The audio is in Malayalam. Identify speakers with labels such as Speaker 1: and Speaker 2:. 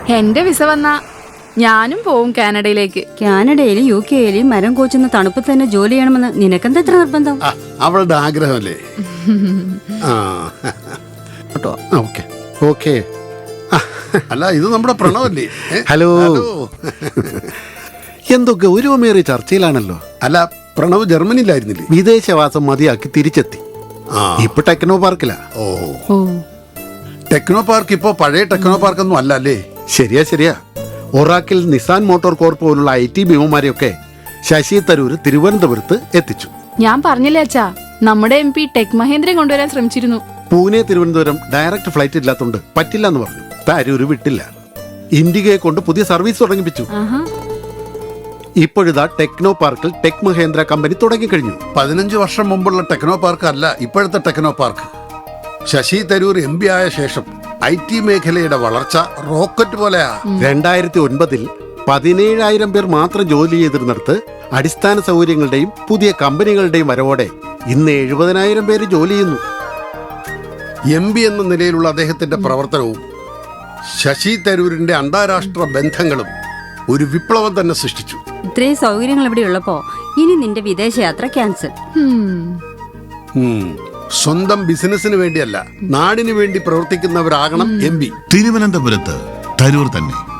Speaker 1: എന്റെ വിസ വന്നാ ഞാനും പോവും കാനഡയിലേക്ക്.
Speaker 2: കാനഡയിലും UK യിലും മരം കോച്ചുന്ന തണുപ്പ് തന്നെ ജോലി ചെയ്യണമെന്ന് നിനക്കെന്താ എത്ര നിർബന്ധം?
Speaker 3: അവളുടെ ആഗ്രഹമല്ലേ. Okay okay. അല്ല, ഇത് നമ്മുടെ പ്രണവല്ലേ?
Speaker 4: ഹലോ. എന്തൊക്കെ ഒരുമേറിയ ചർച്ചയിലാണല്ലോ.
Speaker 3: അല്ല, പ്രണവ് ജർമ്മനിയിലായിരുന്നില്ലേ?
Speaker 4: വിദേശവാസം മതിയാക്കി തിരിച്ചെത്തി. ഇപ്പൊ ടെക്നോ പാർക്കിലാ.
Speaker 3: ഓ, ടെക്നോ പാർക്ക് ഇപ്പോ പഴയ ടെക്നോ പാർക്ക് ഒന്നും അല്ല അല്ലേ?
Speaker 4: ശരിയാ. ഒറാക്കിൽ നിസാൻ മോട്ടോർ കോർപ്പ് പോലുള്ള IT ഭീമന്മാരെയൊക്കെ ശശി തരൂർ തിരുവനന്തപുരത്ത് എത്തിച്ചു.
Speaker 1: ഞാൻ പറഞ്ഞില്ലേ അച്ഛാ, നമ്മുടെ MP ടെക് മഹേന്ദ്രൻ കൊണ്ടുവരാൻ ശ്രമിച്ചിരുന്നു.
Speaker 4: പൂനെ തിരുവനന്തപുരം ഡയറക്റ്റ് ഫ്ലൈറ്റ് ഇല്ലാത്തതുകൊണ്ട് പറ്റില്ല എന്ന് പറഞ്ഞു. തരൂർ വിട്ടില്ല. ഇൻഡിഗയെ കൊണ്ട് പുതിയ സർവീസ് തുടങ്ങിപ്പിച്ചു. ഇപ്പോഴിതാ ടെക്നോ പാർക്കിൽ ടെക് മഹേന്ദ്ര കമ്പനി തുടങ്ങിക്കഴിഞ്ഞു.
Speaker 3: 15 വർഷം മുമ്പുള്ള ടെക്നോ പാർക്ക് അല്ല ഇപ്പോഴത്തെ techno park. Shashi Tharoor MP ആയ ശേഷം IT മേഖലയുടെ വളർച്ച റോക്കറ്റ് പോലെയാ.
Speaker 4: 2009 17,000 പേർ മാത്രം ജോലി ചെയ്തിരുന്നിടത്ത് അടിസ്ഥാന സൗകര്യങ്ങളുടെയും പുതിയ കമ്പനികളുടെയും വരവോടെ ഇന്ന് 70,000 പേര് ജോലി ചെയ്യുന്നു.
Speaker 3: MP എന്ന നിലയിലുള്ള അദ്ദേഹത്തിന്റെ പ്രവർത്തനവും ശശി തരൂരിന്റെ അന്താരാഷ്ട്ര ബന്ധങ്ങളും ഒരു വിപ്ലവം തന്നെ സൃഷ്ടിച്ചു.
Speaker 2: ഇത്രയും സൗകര്യങ്ങൾ ഇവിടെ ഉള്ളപ്പോ ഇനി നിന്റെ വിദേശയാത്ര ക്യാൻസൽ.
Speaker 3: സ്വന്തം ബിസിനസിന് വേണ്ടിയല്ല, നാടിന് വേണ്ടി പ്രവർത്തിക്കുന്നവരാകണം MP.
Speaker 5: തിരുവനന്തപുരത്ത് തരൂർ തന്നെ.